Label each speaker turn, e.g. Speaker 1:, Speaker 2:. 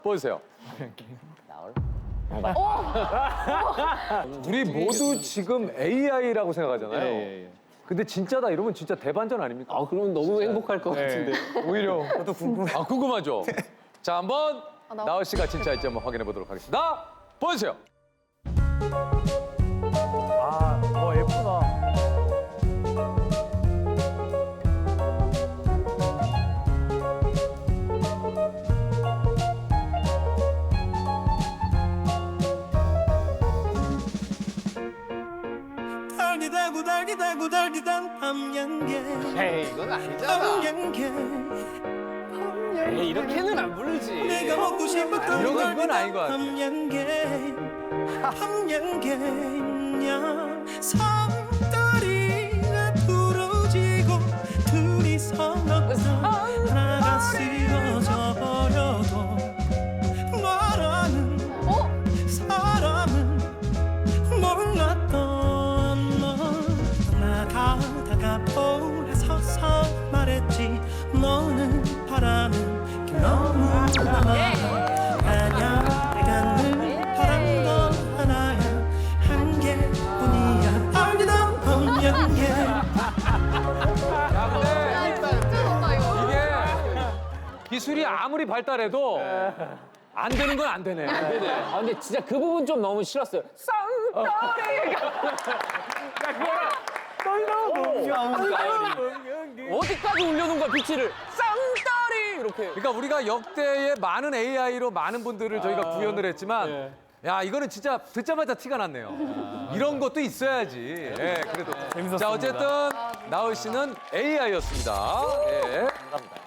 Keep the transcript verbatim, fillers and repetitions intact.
Speaker 1: 보세요. 우리 모두 지금 에이아이라고 생각하잖아요.
Speaker 2: 예, 예.
Speaker 1: 근데 진짜다 이러면 진짜 대반전 아닙니까?
Speaker 2: 아, 그러면 너무 행복할 것
Speaker 1: 네.
Speaker 2: 같은데.
Speaker 1: 오히려 저도 궁금해. 아 궁금하죠. 자 한번
Speaker 3: 나-
Speaker 1: 나얼 씨가 진짜일지 한번 확인해 보도록 하겠습니다. 보여주세요.
Speaker 4: 아, 어 예쁘다.
Speaker 5: 달디다구 달디다구 달디단 밤양개
Speaker 2: 에이, 이건 아니잖아.
Speaker 5: 밤양개
Speaker 2: 에이, 이렇게는 안 부르지.
Speaker 5: 내가 먹고 싶었던
Speaker 1: 이런 건 이건 아닌 것 같아.
Speaker 5: 밤양개 밤양개냐 삼다리가 부러지고 둘이서 하나가 쓰러져 버려도 너라는 사람은 몰랐던 너 나가다가 볼에 서서 말했지 너는 바라는 게 너무 많아 아냐 내가 늘 바란 건 하나야 한 개뿐이야 알리던 밤양개
Speaker 1: 야 근데
Speaker 3: 진짜 좋다 이거.
Speaker 1: 이게 기술이 아무리 발달해도 안 되는 건 안 되네.
Speaker 2: 아, 근데 진짜 그 부분 좀 너무 싫었어요. 쌍따리! 어디까지 올려놓은 거야, 비치를? 쌍따리! 이렇게.
Speaker 1: 그러니까 우리가 역대의 많은 에이아이로 많은 분들을 저희가 구현을 했지만 야 이거는 진짜 듣자마자 티가 났네요. 이런 것도 있어야지. 예, 그래도. 자 어쨌든 나얼 씨는 에이아이였습니다. 예.
Speaker 4: 감사합니다.